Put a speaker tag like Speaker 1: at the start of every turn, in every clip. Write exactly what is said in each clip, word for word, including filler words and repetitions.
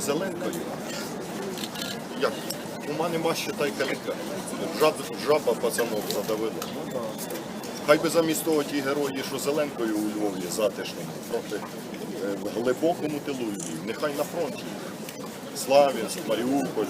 Speaker 1: Зеленкою, як ума нема, считай, каліка. Жаб, жаба пацанов задавила. Хай би замість того ті герої, що Зеленкою у Львові затишному, проти в глибокому тилу Львів, нехай на фронті. Славянськ, Маріуполь,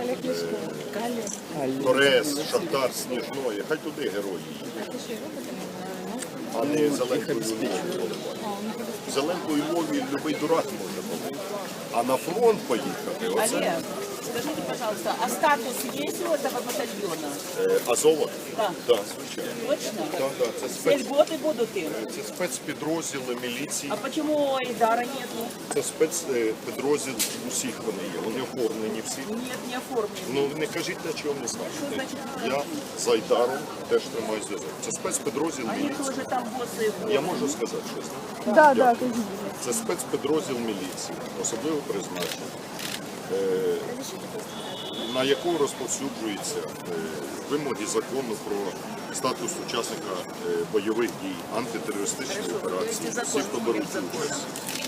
Speaker 1: е, Торез, Шахтар, Сніжної, хай туди герої їдуть, а не Зеленкою у Львові поливають. Зеленкою у Львові любий дурак може бути, а на фронт поїхати, оце...
Speaker 2: Олег, скажите, пожалуйста, а статус есть у этого батальона?
Speaker 1: Е, Азова?
Speaker 2: Да.
Speaker 1: Так, звичайно.
Speaker 2: Точно?
Speaker 1: Так, так, це
Speaker 2: Все
Speaker 1: спец...
Speaker 2: льготы будут им?
Speaker 1: Це спецпідрозділи міліції,
Speaker 2: А почему Айдара нету?
Speaker 1: це спецпідрозділ, усіх вони є, вони оформлені всі.
Speaker 2: Нет, не оформлен.
Speaker 1: Ну не кажіть, на чого не
Speaker 2: Що
Speaker 1: знаєте.
Speaker 2: значить?
Speaker 1: Я з Айдаром теж тримаю зв'язок. Це спецпідрозділ
Speaker 2: Они
Speaker 1: міліції.
Speaker 2: тоже там боссы.
Speaker 1: Я можу сказати щось?
Speaker 3: Да, да,
Speaker 1: Дякую. Це спецпідрозділ міліції, особливо призначення, е, на яку розповсюджуються е, вимоги закону про статус учасника е, бойових дій, антитерористичної операції, всі, хто беруть участь.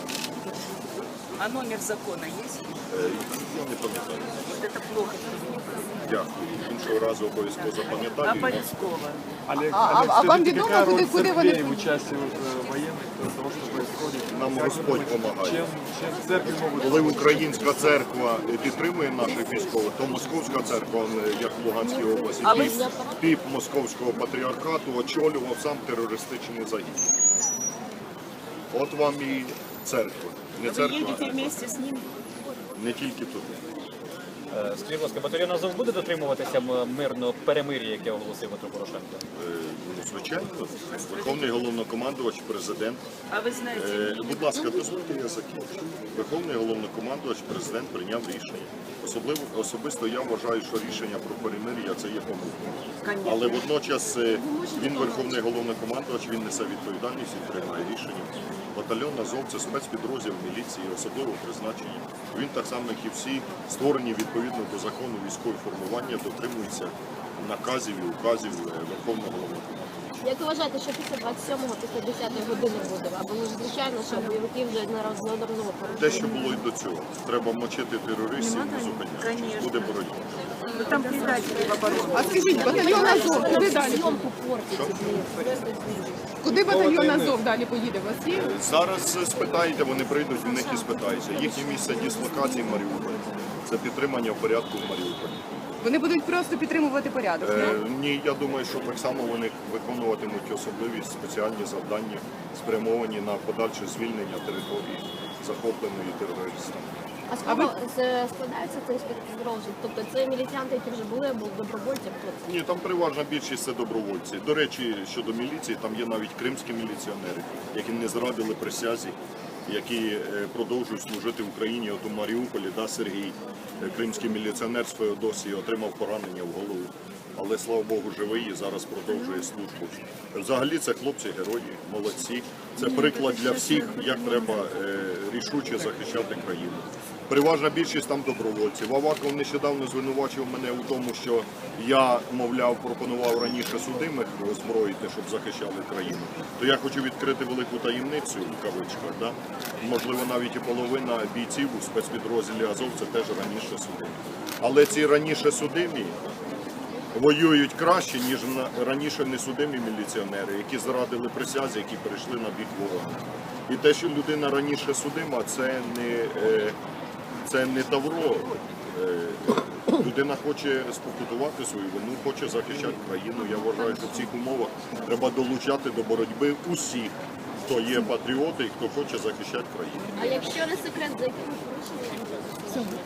Speaker 2: А номер закона есть?
Speaker 1: Е, Я не пам'ятаю.
Speaker 2: Вот это плохо.
Speaker 1: Дякую. Іншого разу обов'язково
Speaker 2: А
Speaker 1: запам'ятаю.
Speaker 2: Полевского?
Speaker 4: Олег,
Speaker 3: А- а-
Speaker 4: Олег,
Speaker 3: а вам
Speaker 4: скажите,
Speaker 3: ведомо,
Speaker 4: какая
Speaker 3: куда-
Speaker 4: роль
Speaker 3: куда вы
Speaker 4: церквей
Speaker 3: не-
Speaker 4: в участии вот, э, военных, э, того, что происходит?
Speaker 1: Нам
Speaker 4: Как
Speaker 1: Господь
Speaker 4: вы-
Speaker 1: помагає.
Speaker 4: Чем, чем церкви могут...
Speaker 1: Коли українська церква підтримує наших військових, то Московська церква, як в Луганській області,
Speaker 2: А ви
Speaker 1: піп, піп Московського патріархату очолював сам терористичний загін. От вам і церква. Не
Speaker 2: Вы
Speaker 1: церква,
Speaker 2: едете вместе с ним?
Speaker 1: не тільки туди.
Speaker 5: Е, Скажіть, будь ласка, батальйон Азов буде дотримуватися м- мирного перемир'я, яке оголосив Петро Порошенко?
Speaker 1: Е, ну, Звичайно, Верховний головнокомандувач, президент.
Speaker 2: А вы знаете,
Speaker 1: Е, Будь ласка, дозвольте, я закінчу. Верховний головнокомандувач, президент прийняв рішення. Особливо особисто я вважаю, що рішення про перемир'я це є помилкою.
Speaker 2: Конечно.
Speaker 1: Але водночас е, він верховний головнокомандувач, він несе відповідальність і приймає рішення. Батальйон Азов – це спецпідрозділ міліції, особливо призначення. Він так само, як і всі, створені відповідно до закону військові формування, дотримуються наказів і указів е, верховного головнокомандувача.
Speaker 6: Як ви вважаєте, що після двадцять сьомого, після десятої години буде? Або ж звичайно, що бойовики вже неодноразово
Speaker 1: Те,
Speaker 6: порушили.
Speaker 1: що було і до цього. Треба мочити терористів, не зупинятися.
Speaker 2: Конечно.
Speaker 1: Буде боротьба.
Speaker 2: Ну, там предатели в обороне.
Speaker 3: А скажіть, батальйон Азов, куди далі?
Speaker 6: Зйомку портить.
Speaker 3: Куди батальйон Азов далі поїде? У вас є?
Speaker 1: Зараз спитаєте, вони прийдуть, в них і спитаються. Їхнє місце дислокації – Маріуполь. Це підтримання порядку в Маріуполі.
Speaker 3: Вони будуть просто підтримувати порядок.
Speaker 1: Е,
Speaker 3: ні?
Speaker 1: ні, я думаю, що так само вони виконуватимуть особливі спеціальні завдання, спрямовані на подальше звільнення території, захопленої терористами.
Speaker 6: А з кого з- складається цей спецпідрозділ? Тобто це міліціянти, які вже були, або добровольці? Хто це?
Speaker 1: Ні, там переважна більшість це добровольці. До речі, щодо міліції, там є навіть кримські міліціонери, які не зрадили присязі, які е, продовжують служити в Україні. От у Маріуполі, да, Сергій, е, кримський міліціонер з Феодосії, отримав поранення в голову. Але, слава Богу, живий і зараз продовжує службу. Взагалі це хлопці-герої, молодці. Це приклад для всіх, як треба е, рішуче захищати країну. Переважна більшість там добровольців. Аваков нещодавно звинувачив мене у тому, що я, мовляв, пропонував раніше судимих озброїти, щоб захищали країну. То я хочу відкрити велику таємницю, в кавичках. Да? Можливо, навіть і половина бійців у спецпідрозділі Азов це теж раніше судимі. Але ці раніше судимі воюють краще, ніж на- раніше несудимі міліціонери, які зрадили присязі, які перейшли на бік ворога. І те, що людина раніше судима, це не, е, це не тавро. Е, Людина хоче спокутувати свою вину, хоче захищати країну. Я вважаю, що в цих умовах треба долучати до боротьби усіх, хто є патріоти і хто хоче захищати країну.
Speaker 6: А якщо не секрет, за якими порушеннями?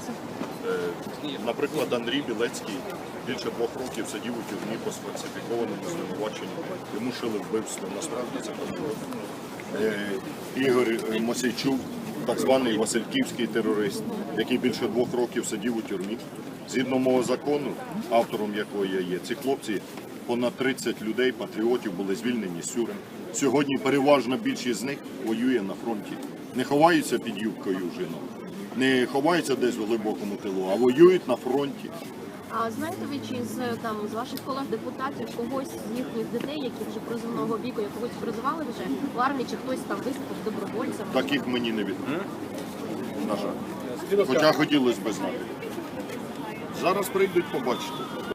Speaker 1: Е, Наприклад, Андрій Білецький більше двох років сидів у тюрмі по сфальсифікованому звинуваченню. Йому шили вбивство. Насправді це патріот. Е, Ігор е, Мосійчук, так званий Васильківський терорист, який більше двох років сидів у тюрмі. Згідно мого закону, автором якого я є, ці хлопці, понад тридцять людей, патріотів, були звільнені з тюрем. Сьогодні переважна більшість з них воює на фронті. Не ховаються під юбкою жінок, не ховаються десь у глибокому тилу, а воюють на фронті.
Speaker 6: А знаєте ви, чи з, там, з ваших колег-депутатів когось з їхніх дітей, які вже призовного віку, якогось призивали вже в армії, чи хтось там виступив добровольцем?
Speaker 1: Таких мені не відомо. На жаль.
Speaker 5: Скажіть, будь ласка,
Speaker 1: Хоча хотілося б знати. Зараз прийдуть, побачите.